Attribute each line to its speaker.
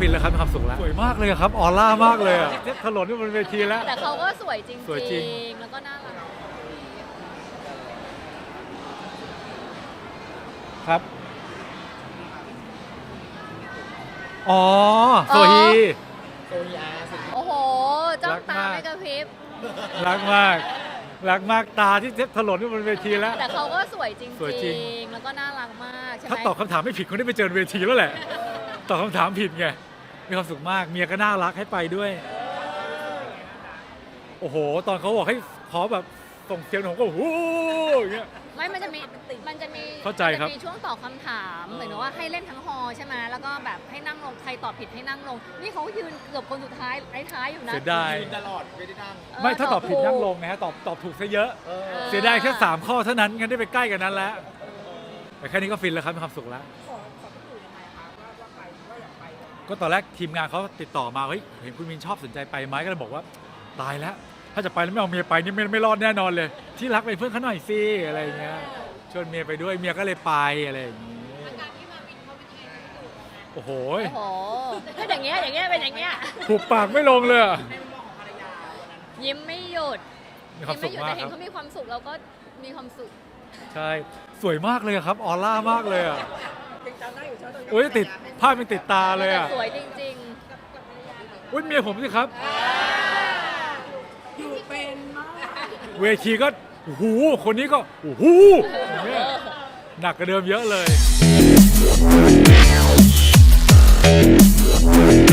Speaker 1: นแล้วครับมีความสุขแล้วสวยมากเลยครับออร่ามากเลยอ่ะถนนที่บนเวทีแล้ว
Speaker 2: แต่เขาก็สวยจริง
Speaker 1: สวยจริง
Speaker 2: ๆแล้วก็น่ารัก
Speaker 1: ครับอ๋อโซฮี
Speaker 2: โอ้โหจ้องตา
Speaker 1: รักมาก
Speaker 2: ไม่กระพริบ
Speaker 1: รักมากรักมากตาที่ถลนที่บนเวทีแล้ว
Speaker 2: แต่เขาก็สวยจริง
Speaker 1: สวยจริง
Speaker 2: ๆแล้วก็น่ารักมากใช่ไหม
Speaker 1: ถ้าตอบคำถามไม่ผิดคนได้ไปเจอเวทีแล้วแหละตอบคำถามผิดไงมีความสุขมากเมียก็น่ารักให้ไปด้วยโอ้โหตอนเขาบอกให้ขอแบบส่งเสียงผมก็โอ้โหอย่างเงี้ย
Speaker 2: ไม่มันจะมี
Speaker 1: เข้าใจครับ
Speaker 2: มันจะมีช่วงตอบคำถามเหมือนว่าให้เล่นทั้งฮอลล์ใช่ไหมแล้วก็แบบให้นั่งลงใครตอบผิดให้นั่งลงนี่เขายืนเกือบคนสุดท้ายท้ายๆอยู่นะ
Speaker 1: เสียดาย
Speaker 3: ตลอดไม่ได้นั่ง
Speaker 1: ไม่ถ้าตอบผิดนั่งลงนะฮะตอบถูกซะเยอะ เสียดายแค่3ข้อเท่านั้นงั้นได้ไปใกล้กันนั้นแล้วแต่แค่นี้ก็ฟินแล้วครับมีความสุขแล้วก็ตอนแรกทีมงานเขาติดต่อมาเฮ้ยเห็นคุณมินชอบสนใจไปไหมก็เลยบอกว่าตายแล้วถ้าจะไปแล้วไม่เอาเมียไปนี่ไม่รอดแน่นอนเลย ที่รักไปเพื่อนเขาหน่อยสิอะไรอย่างเงี้ยชวนเมียไปด้วยเมียก็เลยไปอะไรอย่างงี้โอ้โห
Speaker 2: โอ้โหก็อย่างเงี้ยเป็นอย่างเงี้ย
Speaker 1: ผูกปากไม่ลงเลยอะ
Speaker 2: ยิ้มไม่หยุด
Speaker 1: มีความสุข
Speaker 2: ยิ้
Speaker 1: มาก
Speaker 2: แต่
Speaker 1: ค
Speaker 2: เห็
Speaker 1: รั
Speaker 2: น
Speaker 1: บ
Speaker 2: เขามีความสุขเราก็มีความสุข
Speaker 1: ใช่สวยมากเลยครับออร่ามากเลยอ่ะโอ้ยติดภาพมันติดตาเลยอ่ะ
Speaker 2: แต่สวยจริง
Speaker 1: อุ้ยเมียผมสิครับ
Speaker 3: อยู่เป็นมาก
Speaker 1: เวทีก็โอ้โหคนนี้ก็โอ้โหอย่างเงี้ยหนักกว่าเดิมเยอะเลย